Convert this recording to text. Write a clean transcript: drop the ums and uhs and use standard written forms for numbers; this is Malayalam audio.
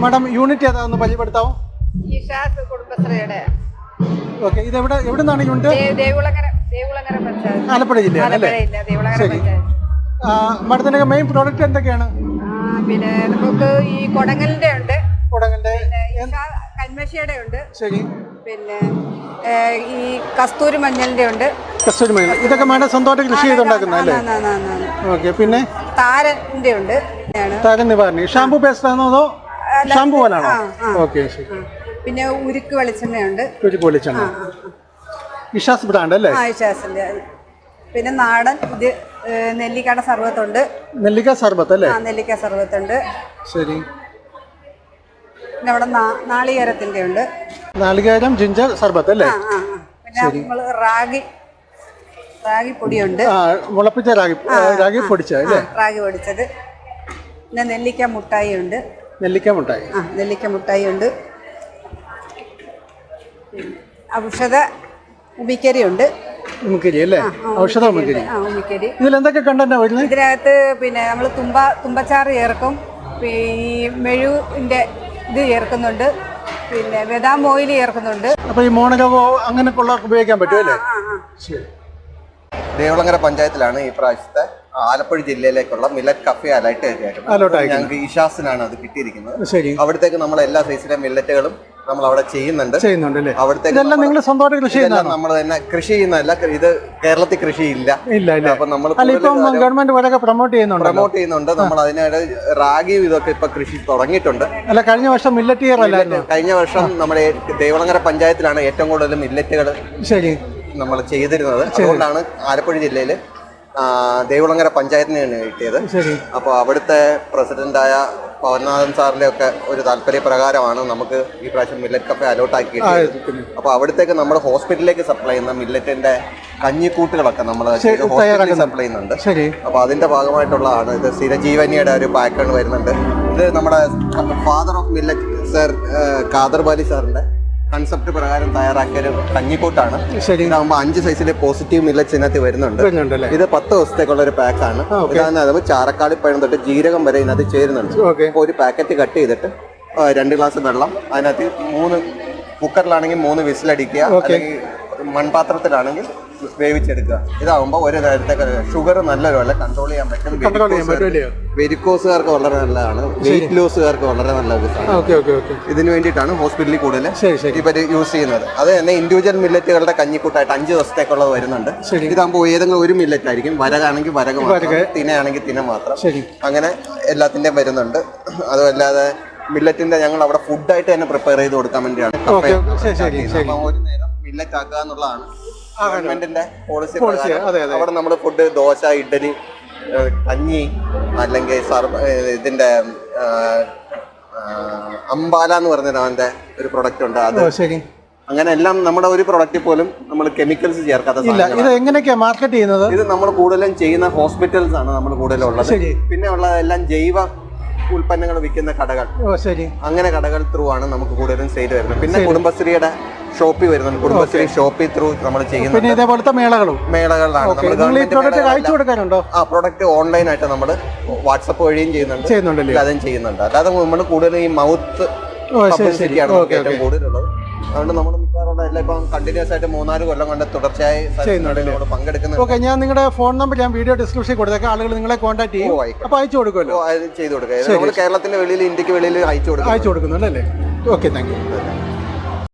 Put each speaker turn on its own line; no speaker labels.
മാഡം യൂണിറ്റ് ഏതാണെന്ന് പരിചയപ്പെടുത്താമോ?
ഇഷാസ് കുടുംബശ്രീയുടെ.
ഓക്കെ, ഇത് എവിടെ നിന്നാണ് യൂണിറ്റ്?
ദേവുളങ്ങര പഞ്ചായത്ത്,
ആലപ്പുഴ ജില്ലയാണ് അല്ലേ?
ദേവുളങ്ങര പഞ്ചായത്ത്.
മാഡത്തിന്റെ മെയിൻ പ്രോഡക്റ്റ് എന്തൊക്കെയാണ്?
പിന്നെ നമുക്ക് ഈ കൊടങ്ങലിന്റെ ഉണ്ട്, കന്മഷിയുടെ ഉണ്ട്,
ശരി,
പിന്നെ ഈ കസ്തൂരി മഞ്ഞളിന്റെ ഉണ്ട്.
കസ്തൂരി മഞ്ഞൾ ഇതൊക്കെ മാഡം സ്വന്തമായിട്ട് കൃഷി ചെയ്തുണ്ടാക്കുന്നല്ലേ? ഓക്കെ, പിന്നെ
താരന്റെ ഉണ്ട്.
താരൻ നിവാരണി ഷാമ്പു പേസ്റ്റ് ആണോ അതോ ഷാമ്പു പോലാണോ? ഓക്കെ, ശരി.
പിന്നെ ഉരുക്ക് വെളിച്ചെണ്ണയുണ്ട്.
ഉരുക്ക് വെളിച്ചെണ്ണ ഇഷാസ് ബ്രാൻഡ് അല്ലേ?
ഇഷാസിന്റെ. പിന്നെ നാടൻ ഇത് നെല്ലിക്കയുടെ സർബത്തുണ്ട്.
നെല്ലിക്ക സർബത്ത് അല്ലേ?
നെല്ലിക്ക സർബത്തുണ്ട്.
ശരി.
പിന്നെ അവിടെ നാളികേരത്തിന്റെ ഉണ്ട്.
നാളികേരം ജിഞ്ചർ സർബത്ത് അല്ലേ?
പിന്നെ നമ്മള് റാഗി പൊടിയുണ്ട്.
മുളപ്പിച്ച റാഗി പൊടിച്ചത് അല്ലേ?
റാഗി പൊടിച്ചത്. പിന്നെ നെല്ലിക്ക മുട്ടായി ഉണ്ട്.
നെല്ലിക്ക മുട്ടായി
ഉണ്ട്. ഔഷധ ഉമിക്കരി ഉണ്ട്.
ഉമിക്കരി അല്ലേ? ഔഷധ ഉമിക്കരി. ഇതിൽ എന്തൊക്കെ കണ്ടന്റ് വരുന്നത്?
ഇതിനകത്ത് പിന്നെ നമ്മൾ തുമ്പച്ചാറ് ചേർക്കും, ഈ മെഴുവിന്റെ ഇത് ചേർക്കുന്നുണ്ട്, പിന്നെ ബദാം ഓയിൽ ചേർക്കുന്നുണ്ട്.
അപ്പൊ ഈ മോണരോഗോ അങ്ങനെയൊക്കെ ഉള്ളവർക്ക് ഉപയോഗിക്കാൻ പറ്റുമല്ലേ? ശരി.
ദേവുളങ്ങര പഞ്ചായത്തിലാണ് ഈ പ്രാവശ്യത്തെ ആലപ്പുഴ ജില്ലയിലേക്കുള്ള മില്ലറ്റ് കഫേ അലർട്ട് ഞങ്ങൾക്ക് ഇഷാസിനാണ് അത് കിട്ടിയിരിക്കുന്നത്. അവിടത്തേക്ക് നമ്മൾ എല്ലാ സൈസിലെ മില്ലറ്റുകളും നമ്മൾ അവിടെ ചെയ്യുന്നുണ്ട്. അവിടത്തേക്ക് നമ്മൾ തന്നെ കൃഷി ചെയ്യുന്നതല്ല, ഇത് കേരളത്തിൽ കൃഷിയില്ല. അപ്പൊ നമ്മൾ
ഗവൺമെന്റ് പ്രൊമോട്ട്
ചെയ്യുന്നുണ്ട്. നമ്മൾ അതിനായിട്ട് റാഗിയും ഇതൊക്കെ ഇപ്പൊ കൃഷി തുടങ്ങിയിട്ടുണ്ട്.
കഴിഞ്ഞ വർഷം മില്ലറ്റ് ഇയർ അല്ലായിരുന്നു?
കഴിഞ്ഞ വർഷം നമ്മുടെ ദേവുളങ്ങര പഞ്ചായത്തിലാണ് ഏറ്റവും കൂടുതൽ മില്ലറ്റുകൾ നമ്മൾ ചെയ്തിരുന്നത്. അതുകൊണ്ടാണ് ആലപ്പുഴ ജില്ലയില് ദേവുളങ്ങര പഞ്ചായത്തിനാണ് കിട്ടിയത്. അപ്പോൾ അവിടുത്തെ പ്രസിഡന്റായ പവൻനാഥൻ സാറിന്റെ ഒക്കെ ഒരു താല്പര്യപ്രകാരമാണ് നമുക്ക് ഈ പ്രാവശ്യം മില്ലറ്റ് കഫേ അലോട്ട് ആക്കിയത്. അപ്പോൾ അവിടത്തേക്ക് നമ്മൾ ഹോസ്പിറ്റലിലേക്ക് സപ്ലൈ ചെയ്യുന്ന മില്ലറ്റിന്റെ കഞ്ഞിക്കൂട്ടുകളൊക്കെ നമ്മൾ ഹോസ്പിറ്റലിൽ സപ്ലൈ ചെയ്യുന്നുണ്ട്. അപ്പോൾ അതിന്റെ ഭാഗമായിട്ടുള്ളതാണ് ഇത്. സ്ഥിരജീവനിയുടെ ഒരു പാക്കാണ് വരുന്നുണ്ട്. ഇത് നമ്മുടെ father of millet sir Khader Vali സാറിന്റെ കൺസെപ്റ്റ് പ്രകാരം തയ്യാറാക്കിയ ഒരു കഞ്ഞിക്കൂട്ടാണ്. ഇതാകുമ്പോൾ 5 സൈസിലെ പോസിറ്റീവ് മില്ലറ്റ്സ് ഇതിനകത്ത് വരുന്നുണ്ട്. ഇത് 10 ദിവസത്തേക്കുള്ള ഒരു പാക്കാണ്. ഇതാണ് ചാരക്കാളിപ്പഴം തൊട്ട് ജീരകം വരെ ഇതിനകത്ത് ചേരുന്നുണ്ട്. അപ്പോൾ ഒരു പാക്കറ്റ് കട്ട് ചെയ്തിട്ട് 2 ഗ്ലാസ് വെള്ളം അതിനകത്ത് 3 കുക്കറിലാണെങ്കിൽ 3 വിസിലടിക്കുക, അല്ലെങ്കിൽ മൺപാത്രത്തിലാണെങ്കിൽ വേവിച്ചെടുക്കുക. ഇതാകുമ്പോൾ ഒരു നേരത്തേക്ക് ഷുഗർ നല്ലപോലെ കൺട്രോൾ ചെയ്യാൻ പറ്റും. വെരിക്കോസുകാർക്ക് വളരെ നല്ലതാണ്, വെയിറ്റ് ലോസുകാർക്ക് വളരെ നല്ല ഒരു സാധനം. ഇതിനു വേണ്ടിയിട്ടാണ് ഹോസ്പിറ്റലിൽ കൂടുതൽ ഇവർ യൂസ് ചെയ്യുന്നത്. അത് തന്നെ ഇൻഡിവിജ്വൽ മില്ലറ്റുകളുടെ കഞ്ഞിക്കൂട്ടായിട്ട് 5 ദിവസത്തേക്കുള്ളത് വരുന്നുണ്ട്. ഇതാകുമ്പോൾ ഏതെങ്കിലും ഒരു മില്ലറ്റ് ആയിരിക്കും. വരകാണെങ്കിൽ വരക മാത്രം, തിനയാണെങ്കിൽ തിന മാത്രം, അങ്ങനെ എല്ലാത്തിൻ്റെയും വരുന്നുണ്ട്. അതുമല്ലാതെ മില്ലറ്റിന്റെ ഞങ്ങൾ അവിടെ ഫുഡായിട്ട് തന്നെ പ്രിപ്പയർ ചെയ്ത് കൊടുക്കാൻ വേണ്ടിയാണ്. അപ്പോൾ ഒരു നേരം മില്ലറ്റ് ആക്കുക എന്നുള്ളതാണ് ഗവൺമെന്റിന്റെ പോളിസി. അവിടെ നമ്മൾ ഫുഡ് ദോശ, ഇഡ്ഡലി, കഞ്ഞി, അല്ലെങ്കിൽ ഇതിന്റെ അമ്പാല എന്ന് പറഞ്ഞ അവന്റെ ഒരു പ്രൊഡക്റ്റ് ഉണ്ട്. അത് അങ്ങനെ എല്ലാം നമ്മുടെ ഒരു പ്രൊഡക്റ്റിൽ പോലും നമ്മൾ കെമിക്കൽസ് ചേർക്കാത്ത.
ഇത് എങ്ങനെയൊക്കെയാ മാർക്കറ്റ് ചെയ്യുന്നത്?
ഇത് നമ്മൾ കൂടുതലും ചെയ്യുന്ന ഹോസ്പിറ്റൽസ് ആണ് നമ്മൾ കൂടുതലും ഉള്ളത്. പിന്നെ ഉള്ളതെല്ലാം ജൈവ ഉൽപ്പന്നങ്ങൾ വിൽക്കുന്ന കടകൾ, അങ്ങനെ കടകൾ ത്രൂ ആണ് നമുക്ക് കൂടുതലും സെയിൽ വരുന്നത്. പിന്നെ കുടുംബശ്രീയുടെ ഷോപ്പിൽ വരുന്നുണ്ട്. കുടുംബശ്രീ ഷോപ്പിൽ ത്രൂ നമ്മൾ ചെയ്യുന്നത്.
ഇതേപോലത്തെ മേളകളാണ്.
പ്രൊഡക്റ്റ് ഓൺലൈൻ ആയിട്ട് നമ്മൾ വാട്സപ്പ് വഴിയും ചെയ്യുന്നുണ്ട്, അതും ചെയ്യുന്നുണ്ട്. അല്ലാതെ നമ്മൾ കൂടുതലും ഈ മൗത്ത് പബ്ലിസിറ്റിയാണ് ഏറ്റവും കൂടുതലുള്ളത്. അതുകൊണ്ട് നമ്മൾ മിക്കവാറും എല്ലാം ഇപ്പം കണ്ടിന്യൂസ് ആയിട്ട് 3-4 കൊല്ലം കൊണ്ട് തുടർച്ചയായി പങ്കെടുക്കുന്നത്.
ഞാൻ നിങ്ങളുടെ ഫോൺ നമ്പർ ഞാൻ വീഡിയോ ഡിസ്ക്രിപ്ഷനിൽ കൊടുത്തേക്കാം. ആളുകൾ നിങ്ങളെ കോൺടാക്ട് ചെയ്യും. അപ്പോൾ അയച്ചു കൊടുക്കുമല്ലോ?
ചെയ്ത് കൊടുക്കുക. നമ്മൾ കേരളത്തിന്റെ വെളിയിൽ, ഇന്ത്യക്ക് വെളിയിൽ അയച്ചു കൊടുക്കുന്നുണ്ടല്ലേ?
Okay, thank you.